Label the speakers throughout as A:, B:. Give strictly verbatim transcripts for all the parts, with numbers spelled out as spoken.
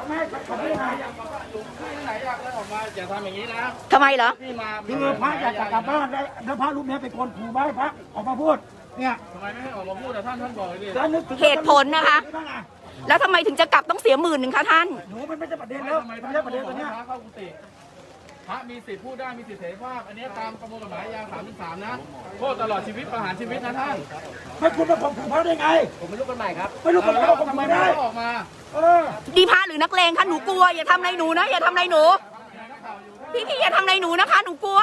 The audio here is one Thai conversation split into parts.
A: ไม่เขาไม่มา
B: ที่ไหนอยากเดินออกมาอย่าทำอย่างนี้นะ
C: ทำไมเหรอ
B: ที่มา
A: คือพระอยากจะกลับบ้านแล้วแล้วพระรูปนี้เป็นคนขู่ไว้พระออกมาพูดเนี่ย
B: ทำไมไม่ให้ออกมาพูดแต่ท่านท่านบอกเลยดิ
A: แล้วนึกถึง
C: เหตุผลนะคะ แล้วทำไมถึงจะกลับต้องเสียหมื่นหนึ่งคะท่าน
A: หนูมันไม่ใช่ประเด็นแล้ว
B: ทำไม
A: ไม่
B: ท่าน
A: ใช่ประเด็นตัว
B: ให้
A: เนี้ย
B: พระเข้ากุฏิพระมีสิทธิ์พูดได้มีสิทธิเสรีภาพอันนี้ตามประมวลกฎหมายยาสามสิบสามนะโทษตลอดชีวิตประหารชีวิตนะท่าน
A: ไม่คุณมาข่มขู่พระได้ไง
B: ผมไม่รู้กันใหม่ครับ
A: ไม่รู้คน
B: แล้
A: เขา
B: ว
A: ข่ม
B: ทำไม
A: ขู่
B: ไม่
A: ได้
B: ออกมา
A: เออ
C: ดีพระหรือนักเลงคะหนูกลัวอย่าทำอะไรหนูนะอย่าทำอะไรหนู พี่พี่อย่าทำอะไรหนูนะคะ หนูกลัว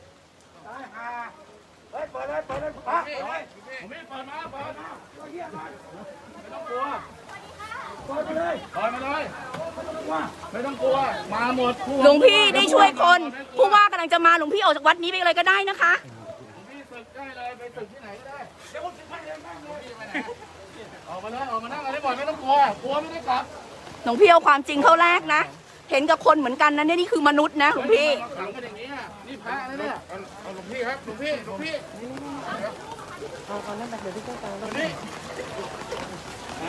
A: เฮ้ยเปิดเลยเปิดเลยพระ
B: ผมไม่เปิดมาเปิดมาไม่ต้องกลัว
A: เปิดไปเลย
B: เปิดมาเลย
A: ว่า
B: ไม่ต้องกลัวมาหมดผู้
C: หลวงพี่ได้ช่วยคนผู้ว่ากำลังจะมาหลวงพี่ออกจากวัดนี้ไปเลยก็ได้นะคะ
B: หลวงพี่ศึกได้เลยไปศึกที่ไหนก็ได้เดี๋ยวผมศึกให้เลยนั่งเลยไปไหนออกมาเลยออกมานั่งอะไรบ่อยไม่ต้องกลัวกลัวไม่ได้กลับ
C: หลวงพี่เอาความจริงเข้าแรกนะ เห็นกับคนเหมือนกันนะเนี่ยนี่คือมนุษย์นะหลวงพี่
B: มาขังกันอย่างนี้อ่ะนี่พระนะเนี่ยเอาหลวงพี่ครับหลวงพี่หลวงพี่เอาเอานั่นไปเดี๋ยวพี่เจ้าตาตรงนี้เอา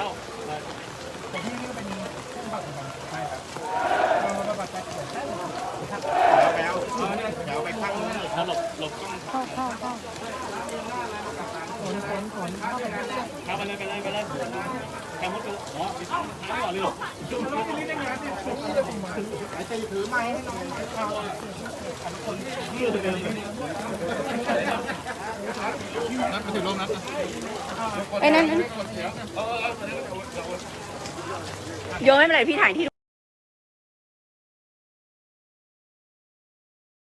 C: ไอ้นั่นโยนไม่เป็นไรพี่ถ่ายที่